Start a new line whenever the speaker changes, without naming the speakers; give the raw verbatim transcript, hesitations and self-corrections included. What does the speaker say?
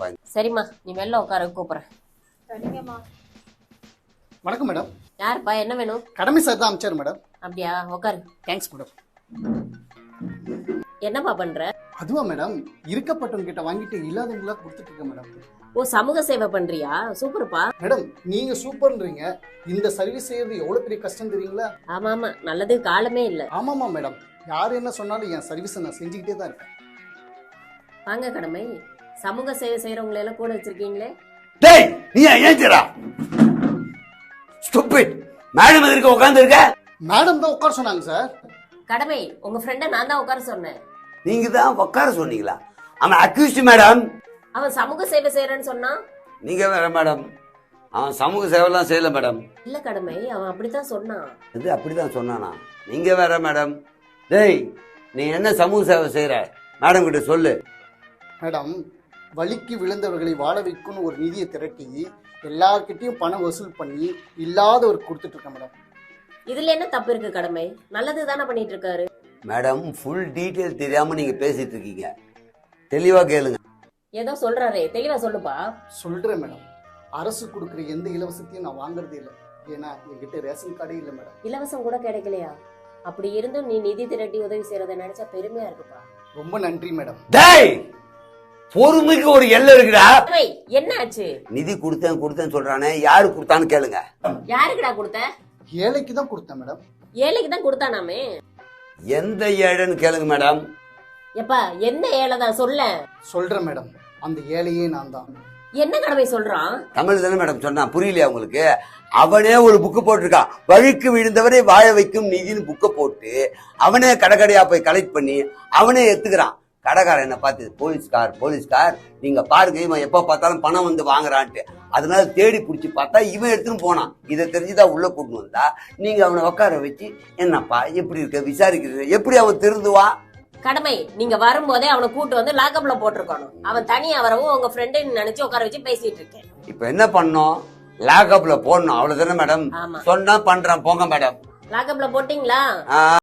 இருப்பா.
சரிம்மா, நீ வெளில உட்கார கூப்பிடுறேன்.
சரிங்கம்மா.
வணக்கம் மேடம்.
யாருப்பா, என்ன வேணும்?
கடமை சார் தான் அமிச்சார் மேடம்.
அப்படியா, உட்காரு.
Thanks madam.
என்னப்பா பண்ற?
அதுவா மேடம், இருக்கப்பட்டவங்க கிட்ட வாங்கிட்டு இல்லாதவங்களா கொடுத்துட்டு இருக்கேன் மேடம்.
ஓ, சமூக சேவை பண்றியா? சூப்பர்ப்பா.
மேடம் நீங்க சூப்பர்ன்றீங்க, இந்த சர்வீஸ் செய்யறது எவ்வளவு பெரிய கஷ்டம் தெரியுங்களா?
ஆமா ஆமா, நல்லது காலமே இல்ல.
ஆமாமா மேடம், யாரு என்ன சொன்னாலும் என் சர்வீஸை நான் செஞ்சுக்கிட்டே தான் இருக்கேன்.
வாங்க கடமை, சமூக சேவை செய்யறவங்களை எல்லாம் கூட வச்சிருக்கீங்களே.
டேய், நீ ஏஞ்சரா ஸ்டூபிட். மேடம் எதுக்கு உட்கார்ந்து இருக்க?
மேடம் தான் உட்கார சொன்னாங்க சார்.
கடமை, உங்க ஃப்ரெண்ட நான் தான் உட்கார சொன்னேன்.
நீங்க தான் உட்கார சொன்னீங்களா? அவன் அக்யூஸ்ட் மேடம்.
அவன் சமூக சேவை செய்யறேன்னு சொன்னா.
நீங்க வேற மேடம், அவன் சமூக சேவைலாம் செய்யல மேடம்.
இல்ல கடமை, அவன் அப்படித்தான் சொன்னான்.
இது அப்படிதான் சொன்னானா? நீங்க வேற மேடம். டேய், நீ என்ன சமூக சேவை செய்யற? மேடம் கிட்ட சொல்லு.
மேடம், வலிக்கு விழுந்தவர்களை வாழ வைக்கும்னு ஒரு நிதியை திரட்டி எல்லார்கிட்டையும் பணம் வசூல் பண்ணி இல்லாதவருக்கு கொடுத்துட்டு இருக்கேன் மேடம்.
இதுல என்ன தப்பு இருக்கு கடமை? நல்லது தானே பண்ணிட்டு இருக்காரு.
மேடம், ஃபுல் டீடைல் தெரியாம நீங்க பேசிட்டு இருக்கீங்க. தெளிவா கேளுங்க.
ஏதோ சொல்றாரே, தெளிவா சொல்லுப்பா.
சொல்றேன் மேடம், அரசு கொடுக்குற எந்த இலவசத்தையும் நான் வாங்குறதே இல்லை. ஏன்னா என்கிட்ட ரேஷன் கார்டே இல்லை மேடம்.
இலவசம் கூட கிடைக்கலையா? அப்படி இருந்தும் நீ நிதி திரட்டி உதவி செய்யறத நினைச்சா பெருமையா இருக்குப்பா.
ரொம்ப நன்றி மேடம்.
டேய், பொறுமைக்கு ஒரு எல்லை இருக்குடா.
என்ன ஆச்சு?
நிதி கொடுத்தேன் கொடுத்தேன்னு சொல்றானே, யாரு கொடுத்தான்னு கேளுங்க.
யாருக்குடா கொடுத்த?
ஏழைக்கு தான் கொடுத்தேன் மேடம்.
ஏழைக்கு தான் கொடுத்தானாமே.
எந்த ஏழைன்னு கேளுங்க மேடம்.
எப்பா, என்ன ஏழை தான் சொல்ல?
சொல்றேன் மேடம், அந்த ஏழையே நான் தான்.
என்ன கடமை சொல்றான்?
தமிழ் தானே மேடம் சொன்னா, புரியலையா உங்களுக்கு? அவனே ஒரு புக்கு போட்டிருக்கான், வழிக்கு விழுந்தவரை வாழ வைக்கும் நிதின்னு புக்கை போட்டு அவனே கடைக்கடையா போய் கலெக்ட் பண்ணி அவனே எடுத்துக்கிறான். கடைக்காரன் என்ன பார்த்து, போலீஸ்கார் போலீஸ்கார் நீங்க பாருங்க, இவன் எப்ப பார்த்தாலும் பணம் வந்து வாங்குறான்ட்டு. அதனால தேடி பிடிச்சி பார்த்தா இவன் எடுத்துன்னு போனான். இதை தெரிஞ்சுதான் உள்ள கூட்டு வந்தா நீங்க அவனை உட்கார வச்சு, என்னப்பா எப்படி இருக்க விசாரிக்கிறது, எப்படி அவன் திருந்துவான்?
கடமை, நீங்க வரும்போதே அவனை கூட்டு வந்து லாக்அப்ல போட்டிருக்கணும். அவன் தனியா வரவும் உங்க ஃப்ரெண்டு நினைச்சு உட்கார வச்சு பேசிட்டு இருக்கேன்.
இப்ப என்ன பண்ணோம்? லாக்அப்ல போடணும், அவ்வளவுதானே மேடம்?
ஆமா.
சொன்னா பண்றேன், போங்க மேடம்.
லாக்அப்ல போட்டீங்களா?